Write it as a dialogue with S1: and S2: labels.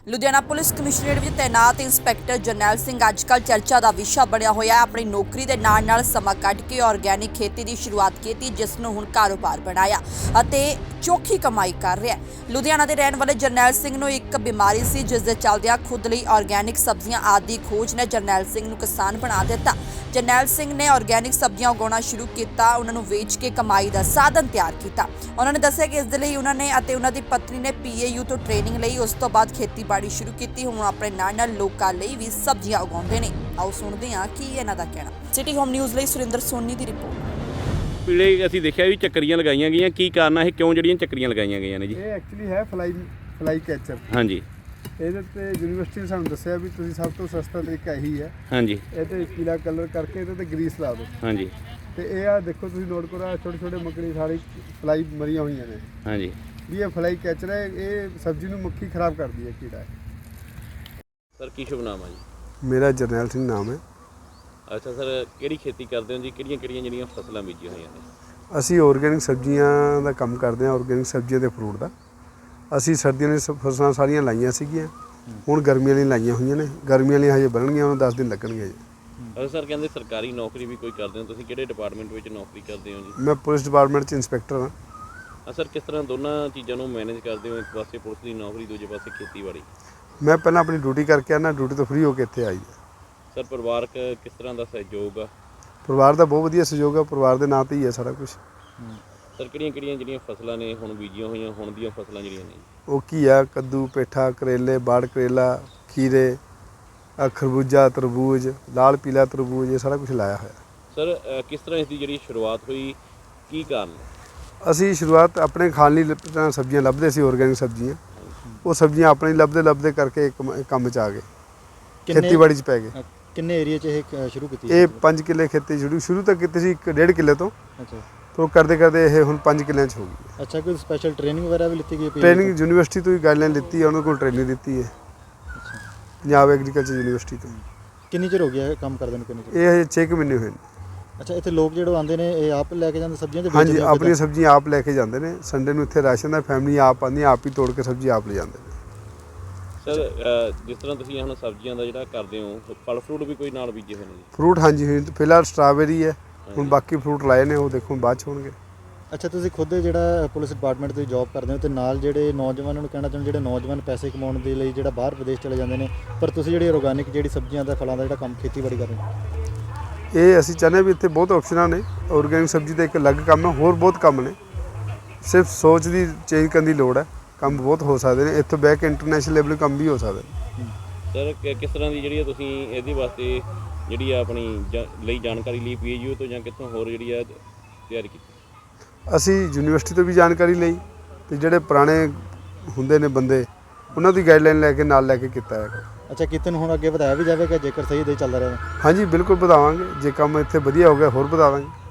S1: Ludhiana police commissionerate ਵਿੱਚ ਤੈਨਾਤ inspector ਜਰਨੈਲ ਸਿੰਘ ਅੱਜਕੱਲ ਚਰਚਾ ਦਾ ਵਿਸ਼ਾ ਬਣਿਆ ਹੋਇਆ ਹੈ। ਆਪਣੀ ਨੌਕਰੀ ਦੇ ਨਾਲ ਸਮਾਂ ਕੱਢ ਕੇ ਆਰਗੈਨਿਕ ਖੇਤੀ ਦੀ ਸ਼ੁਰੂਆਤ ਕੀਤੀ, ਜਿਸ ਨੂੰ ਹੁਣ ਕਾਰੋਬਾਰ ਬਣਾਇਆ ਅਤੇ ਚੋਖੀ ਕਮਾਈ ਕਰ ਰਿਹਾ ਹੈ। ਲੁਧਿਆਣਾ ਦੇ ਰਹਿਣ ਵਾਲੇ ਜਰਨੈਲ ਸਿੰਘ ਨੂੰ ਇੱਕ ਬਿਮਾਰੀ ਸੀ, ਜਿਸ ਦੇ ਚੱਲਦਿਆਂ ਖੁਦ ਲਈ ਆਰਗੈਨਿਕ ਸਬਜ਼ੀਆਂ ਆਦਿ ਦੀ ਖੋਜ ਨੇ ਜਰਨੈਲ ਸਿੰਘ ਨੂੰ ਕਿਸਾਨ ਬਣਾ ਦਿੱਤਾ। ਜਰਨੈਲ ਸਿੰਘ ਨੇ ਆਰਗੈਨਿਕ ਸਬਜ਼ੀਆਂ ਉਗਾਉਣਾ ਸ਼ੁਰੂ ਕੀਤਾ, ਉਹਨਾਂ ਨੂੰ ਵੇਚ ਕੇ ਕਮਾਈ ਦਾ ਸਾਧਨ ਤਿਆਰ ਕੀਤਾ। ਉਹਨਾਂ ਨੇ ਦੱਸਿਆ ਕਿ ਇਸ ਦੇ ਲਈ ਉਹਨਾਂ ਨੇ ਅਤੇ ਉਹਨਾਂ ਦੀ ਪਤਨੀ ਨੇ PAU ਤੋਂ ਟ੍ਰੇਨਿੰਗ ਲਈ, ਉਸ ਤੋਂ ਬਾਅਦ ਖੇਤੀਬਾੜੀ ਸ਼ੁਰੂ ਕੀਤੀ। ਹੁਣ ਆਪਣੇ ਨਾਲ ਲੋਕਾਂ ਲਈ ਵੀ ਸਬਜ਼ੀਆਂ ਉਗਾਉਂਦੇ ਨੇ। ਆਓ ਸੁਣਦੇ ਹਾਂ ਕੀ ਇਹਨਾਂ ਦਾ ਕਹਿਣਾ। ਸਿਟੀ ਹੋਮ ਨਿਊਜ਼ ਲਈ ਸੁਰਿੰਦਰ ਸੋਨੀ ਦੀ ਰਿਪੋਰਟ।
S2: ਪੀਲੇ ਅਸੀਂ ਦੇਖਿਆ ਵੀ ਚੱਕਰੀਆਂ ਲਗਾਈਆਂ ਗਈਆਂ, ਕੀ ਕਾਰਨ ਹੈ, ਕਿਉਂ ਜਿਹੜੀਆਂ ਚੱਕਰੀਆਂ ਲਗਾਈਆਂ ਗਈਆਂ ਨੇ ਜੀ?
S3: ਇਹ ਐਕਚੁਅਲੀ ਹੈ ਫਲਾਈ ਕੈਚਰ।
S2: ਹਾਂਜੀ।
S3: ਇਹਦੇ ਤੇ ਯੂਨੀਵਰਸਿਟੀ ਨੇ ਸਾਨੂੰ ਦੱਸਿਆ ਵੀ ਤੁਸੀਂ ਸਭ ਤੋਂ ਸਸਤਾ ਤਰੀਕਾ ਇਹੀ ਹੈ।
S2: ਹਾਂਜੀ।
S3: ਇਹ ਤੇ ਪੀਲਾ ਕਲਰ ਕਰਕੇ ਇਹਦੇ ਤੇ ਗਰੀਸ ਲਾ ਦਿਓ।
S2: ਹਾਂਜੀ।
S3: ਤੇ ਇਹ ਆ ਦੇਖੋ ਤੁਸੀਂ ਨੋਟ ਕਰੋ, ਛੋਟੇ ਛੋਟੇ ਮੱਕੜੀ ਸਾਰੀ ਫਲਾਈ ਮਰੀਆਂ ਹੋਈਆਂ ਨੇ।
S2: ਹਾਂਜੀ।
S3: ਵੀ ਇਹ ਫਲਾਈ ਕੈਚਰ ਹੈ, ਇਹ ਸਬਜ਼ੀ ਨੂੰ ਮੱਖੀ ਖਰਾਬ ਕਰਦੀ ਹੈ, ਕੀੜਾ ਹੈ।
S2: ਸਰ ਕੀ ਸ਼ੁਭ ਨਾਮ ਹੈ ਜੀ?
S3: ਮੇਰਾ ਜਰਨੈਲ ਸਿੰਘ ਨਾਮ ਹੈ।
S2: ਅੱਛਾ ਸਰ, ਕਿਹੜੀ ਖੇਤੀ ਕਰਦੇ ਹੋ ਜੀ? ਕਿਹੜੀਆਂ ਜਿਹੜੀਆਂ ਫਸਲਾਂ ਬੀਜੀਆਂ ਹੋਈਆਂ ਨੇ?
S3: ਅਸੀਂ ਆਰਗੈਨਿਕ ਸਬਜ਼ੀਆਂ ਦਾ ਕੰਮ ਕਰਦੇ ਹਾਂ, ਆਰਗੈਨਿਕ ਸਬਜ਼ੀਆਂ ਤੇ ਫਰੂਟ ਦਾ। ਅਸੀਂ ਸਰਦੀਆਂ ਦੀਆਂ ਫਸਲਾਂ ਸਾਰੀਆਂ ਲਾਈਆਂ ਸੀਗੀਆਂ, ਹੁਣ ਗਰਮੀਆਂ ਲਈ ਲਾਈਆਂ ਹੋਈਆਂ ਨੇ। ਗਰਮੀਆਂ ਲਈ ਹਜੇ ਬਣਨਗੀਆਂ, ਉਹਨਾਂ 10 ਦਿਨ ਲੱਗਣਗੇ ਜੀ।
S2: ਸਰ ਕਹਿੰਦੇ ਸਰਕਾਰੀ ਨੌਕਰੀ ਵੀ ਕੋਈ ਕਰਦੇ ਹੋ ਤੁਸੀਂ, ਕਿਹੜੇ ਡਿਪਾਰਟਮੈਂਟ ਵਿੱਚ ਨੌਕਰੀ ਕਰਦੇ ਹੋ ਜੀ?
S3: ਮੈਂ ਪੁਲਿਸ ਡਿਪਾਰਟਮੈਂਟ 'ਚ ਇੰਸਪੈਕਟਰ ਹਾਂ।
S2: ਸਰ ਕਿਸ ਤਰ੍ਹਾਂ ਦੋਨਾਂ ਚੀਜ਼ਾਂ ਨੂੰ ਮੈਨੇਜ ਕਰਦੇ ਹੋ? ਇੱਕ ਪਾਸੇ ਪੁਲਿਸ ਦੀ ਨੌਕਰੀ, ਦੂਜੇ ਪਾਸੇ ਖੇਤੀਬਾੜੀ।
S3: ਮੈਂ ਪਹਿਲਾਂ ਆਪਣੀ ਡਿਊਟੀ ਕਰਕੇ ਆਉਣਾ, ਡਿਊਟੀ ਤੋਂ ਫ੍ਰੀ ਹੋ ਕੇ ਇੱਥੇ ਆਈ।
S2: ਸਰ ਪਰਿਵਾਰਕ ਕਿਸ ਤਰ੍ਹਾਂ ਦਾ ਸਹਿਯੋਗ ਆ?
S3: ਪਰਿਵਾਰ ਦਾ ਬਹੁਤ ਵਧੀਆ ਸਹਿਯੋਗ ਹੈ, ਪਰਿਵਾਰ ਦੇ ਨਾਂ 'ਤੇ ਹੀ ਹੈ ਸਾਰਾ ਕੁਝ।
S2: ਸਰ ਕਿਹੜੀਆਂ ਜਿਹੜੀਆਂ ਫਸਲਾਂ ਨੇ ਹੁਣ ਬੀਜੀਆਂ ਹੋਈਆਂ, ਹੁਣ ਦੀਆਂ ਫਸਲਾਂ ਜਿਹੜੀਆਂ ਨੇ?
S3: ਉਹ ਘੀਆ, ਕੱਦੂ, ਪੇਠਾ, ਕਰੇਲੇ, ਬਾੜ ਕਰੇਲਾ, ਖੀਰੇ, ਖਰਬੂਜਾ, ਤਰਬੂਜ, ਲਾਲ ਪੀਲਾ ਤਰਬੂਜ, ਇਹ ਸਾਰਾ ਕੁਝ ਲਾਇਆ ਹੋਇਆ।
S2: ਸਰ ਕਿਸ ਤਰ੍ਹਾਂ ਇਸ ਦੀ ਜਿਹੜੀ ਸ਼ੁਰੂਆਤ ਹੋਈ, ਕੀ ਕਾਰਨ?
S3: ਅਸੀਂ ਸ਼ੁਰੂਆਤ ਆਪਣੇ ਖਾਣ ਲਈ ਸਬਜ਼ੀਆਂ ਲੱਭਦੇ ਸੀ, ਆਰਗੈਨਿਕ ਸਬਜ਼ੀਆਂ। ਉਹ ਸਬਜ਼ੀਆਂ ਆਪਣੇ ਲੱਭਦੇ ਕਰਕੇ ਕੰਮ 'ਚ ਆ ਗਏ, ਖੇਤੀਬਾੜੀ 'ਚ ਪੈ ਗਏ।
S4: ਕਿੰਨੇ ਏਰੀਆ 'ਚ ਇਹ ਸ਼ੁਰੂ ਕੀਤੀ?
S3: ਇਹ 5 ਕਿੱਲੇ ਖੇਤੀ ਸ਼ੁਰੂ ਤਾਂ ਕੀਤੀ ਸੀ 1.5 ਕਿੱਲੇ ਤੋਂ।
S4: ਅੱਛਾ।
S3: ਤੋਂ ਕਰਦੇ ਇਹ ਹੁਣ 5 ਕਿੱਲਿਆਂ 'ਚ ਹੋ ਗਈ।
S4: ਅੱਛਾ, ਕੋਈ ਸਪੈਸ਼ਲ ਟ੍ਰੇਨਿੰਗ ਵਗੈਰਾ ਵੀ ਲਿੱਤੀ ਗਈ?
S3: ਟ੍ਰੇਨਿੰਗ ਯੂਨੀਵਰਸਿਟੀ ਤੋਂ ਹੀ ਗਾਈਡਲਾਈਨ ਲਿੱਤੀ ਹੈ, ਉਹਨਾਂ ਕੋਲ ਟ੍ਰੇਨਿੰਗ ਲਿੱਤੀ ਹੈ,
S4: ਅੱਛਾ।
S3: ਪੰਜਾਬ ਐਗਰੀਕਲਚਰ ਯੂਨੀਵਰਸਿਟੀ ਤੋਂ।
S4: ਕਿੰਨੀ ਚਿਰ ਹੋ ਗਿਆ ਇਹ ਕੰਮ ਕਰਦੇ ਨੂੰ? ਕਿੰਨੀ ਚਿਰ?
S3: ਇਹ ਹਜੇ 6 ਮਹੀਨੇ ਹੋਏ ਨੇ।
S4: ਅੱਛਾ, ਇੱਥੇ ਲੋਕ ਜਿਹੜੇ ਆਉਂਦੇ ਨੇ ਇਹ ਆਪ ਲੈ ਕੇ ਜਾਂਦੇ ਸਬਜ਼ੀਆਂ?
S3: ਹਾਂਜੀ, ਆਪਣੀਆਂ ਸਬਜ਼ੀਆਂ ਆਪ ਲੈ ਕੇ ਜਾਂਦੇ ਨੇ। ਸੰਡੇ ਨੂੰ ਇੱਥੇ ਰਾਸ਼ਨ ਦਾ ਫੈਮਿਲੀ ਆਪ ਆਉਂਦੀ, ਆਪ ਹੀ ਤੋੜ ਕੇ ਸਬਜ਼ੀ ਆਪ ਲੈ ਜਾਂਦੇ ਨੇ।
S2: ਸਰ ਜਿਸ ਤਰ੍ਹਾਂ ਤੁਸੀਂ ਹੁਣ ਸਬਜ਼ੀਆਂ ਦਾ ਜਿਹੜਾ ਕਰਦੇ ਹੋ, ਫਲ ਫਰੂਟ ਵੀ ਕੋਈ ਨਾਲ ਬੀਜੇ ਹੋਏ ਨੇ ਜੀ?
S3: ਫਰੂਟ ਹਾਂਜੀ, ਫਿਲਹਾਲ ਸਟ੍ਰਾਬੇਰੀ ਹੈ, ਹੁਣ ਬਾਕੀ ਫਰੂਟ ਲਾਏ ਨੇ, ਉਹ ਦੇਖੋ ਬਾਅਦ 'ਚ ਹੋਣਗੇ।
S4: ਅੱਛਾ, ਤੁਸੀਂ ਖੁਦ ਜਿਹੜਾ ਪੁਲਿਸ ਡਿਪਾਰਟਮੈਂਟ ਤੇ ਜੌਬ ਕਰਦੇ ਹੋ ਤੇ ਨਾਲ ਜਿਹੜੇ ਨੌਜਵਾਨਾਂ ਨੂੰ ਕਹਿਣਾ ਚਾਹੁੰਦੇ, ਜਿਹੜੇ ਨੌਜਵਾਨ ਪੈਸੇ ਕਮਾਉਣ ਦੇ ਲਈ ਜਿਹੜਾ ਬਾਹਰ ਵਿਦੇਸ਼ ਚਲੇ ਜਾਂਦੇ ਨੇ, ਪਰ ਤੁਸੀਂ ਜਿਹੜੀ ਆਰਗੈਨਿਕ ਜਿਹੜੀ ਸਬਜ਼ੀਆਂ ਦਾ ਫਲਾਂ ਦਾ ਜਿਹੜਾ ਕੰਮ ਖੇਤੀਬਾੜੀ ਕਰ ਰਹੇ ਹੋ?
S3: ਇਹ ਅਸੀਂ ਚਾਹੁੰਦੇ ਵੀ ਇੱਥੇ ਬਹੁਤ ਆਪਸ਼ਨਾਂ ਨੇ। ਆਰਗੈਨਿਕ ਸਬਜ਼ੀ ਦਾ ਇੱਕ ਅਲੱਗ ਕੰਮ ਹੈ, ਹੋਰ ਬਹੁਤ ਕੰਮ ਨੇ। ਸਿਰਫ ਸੋਚ ਦੀ ਚੇਂਜ ਕਰਨ ਦੀ ਲੋੜ ਹੈ, ਕੰਮ ਬਹੁਤ ਹੋ ਸਕਦੇ ਨੇ। ਇੱਥੋਂ ਬਹਿ ਕੇ ਇੰਟਰਨੈਸ਼ਨਲ ਲੈਵਲ ਕੰਮ ਵੀ ਹੋ ਸਕਦੇ ਨੇ।
S2: ਸਰ ਕਿਸ ਤਰ੍ਹਾਂ ਦੀ ਜਿਹੜੀ ਤੁਸੀਂ ਇਹਦੇ ਵਾਸਤੇ ਜਿਹੜੀ ਆਪਣੀ ਲਈ ਜਾਣਕਾਰੀ ਲਈ PAU ਤੋਂ ਜਾਂ ਕਿੱਥੋਂ ਹੋਰ ਜਿਹੜੀ ਆ ਤਿਆਰੀ ਕੀਤੀ?
S3: ਅਸੀਂ ਯੂਨੀਵਰਸਿਟੀ ਤੋਂ ਵੀ ਜਾਣਕਾਰੀ ਲਈ, ਤੇ ਜਿਹੜੇ ਪੁਰਾਣੇ ਹੁੰਦੇ ਨੇ ਬੰਦੇ, ਉਹਨਾਂ ਦੀ ਗਾਈਡਲਾਈਨ ਲੈ ਕੇ ਕੀਤਾ ਹੈ।
S4: ਅੱਛਾ, ਕਿਤੇ ਨੂੰ ਹੁਣ ਅੱਗੇ ਵਧਾਇਆ ਵੀ ਜਾਵੇਗਾ ਜੇਕਰ ਸਹੀ ਦੇ ਚੱਲਦਾ ਰਹੇ?
S3: ਹਾਂਜੀ ਬਿਲਕੁਲ ਵਧਾਵਾਂਗੇ, ਜੇ ਕੰਮ ਇੱਥੇ ਵਧੀਆ ਹੋ ਗਿਆ ਹੋਰ ਵਧਾਵਾਂਗੇ।